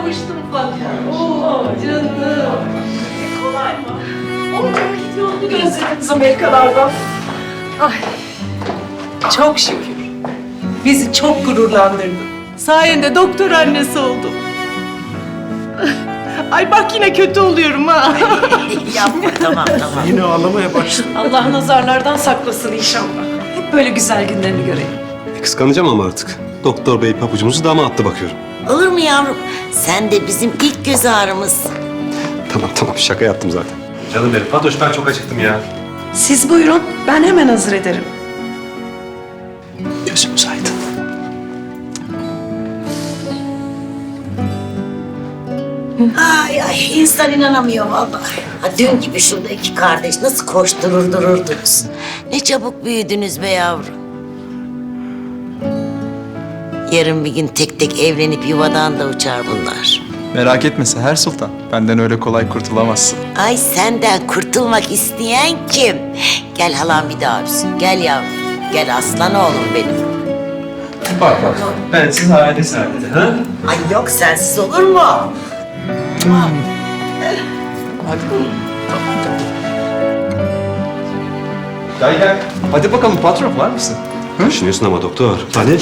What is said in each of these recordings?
kavuştum Fatma. Oo canım. Kolay mı? Oo, yolunu gözlediniz Amerikalardan. Ay, çok şükür. Bizi çok gururlandırdın. Sayende doktor annesi oldum. Ay bak yine kötü oluyorum ha. Yapma, tamam. Yine ağlamaya başladı. Allah nazarlardan saklasın inşallah. Hep böyle güzel günlerini görelim. Kıskanacağım ama artık. Doktor bey pabucumuzu dama attı bakıyorum. Olur mu yavrum? Sen de bizim ilk göz ağrımızsın. Tamam şaka yaptım zaten. Canım benim Fatoş ben çok acıktım ya. Siz buyurun, ben hemen hazır ederim. Gözümüz aydın. Ay insan inanamıyor vallahi. Ha, dün gibi şurada iki kardeş nasıl koşturur dururdunuz. Ne çabuk büyüdünüz be yavrum. Yarın bir gün tek tek evlenip yuvadan da uçar bunlar. Merak etme Seher Sultan. Benden öyle kolay kurtulamazsın. Ay senden kurtulmak isteyen kim? Gel halam bir daha öpsün. Gel yavrum. Gel aslan oğlum benim. Bak. Ben siz aile saadeti ha? Ay yok sensiz olur mu? Gel. Hadi bakalım patron var mısın? Düşünüyorsun ama doktor. Hadi.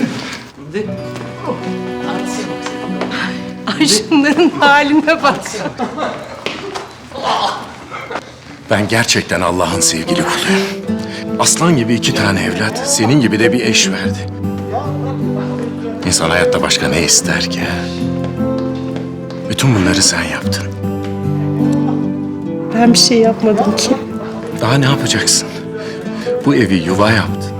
Ay şunların haline bak. Ben gerçekten Allah'ın sevgili kuluyum. Aslan gibi 2 tane evlat, senin gibi de bir eş verdi. İnsan hayatta başka ne ister ki? Bütün bunları sen yaptın. Ben bir şey yapmadım ki. Daha ne yapacaksın? Bu evi yuva yaptın.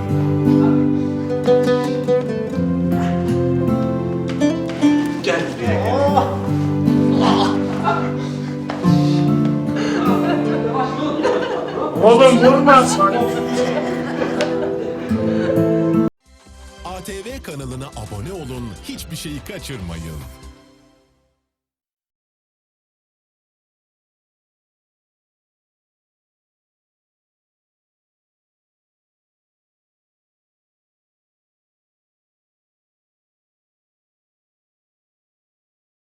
ATV kanalına abone olun, hiçbir şeyi kaçırmayın.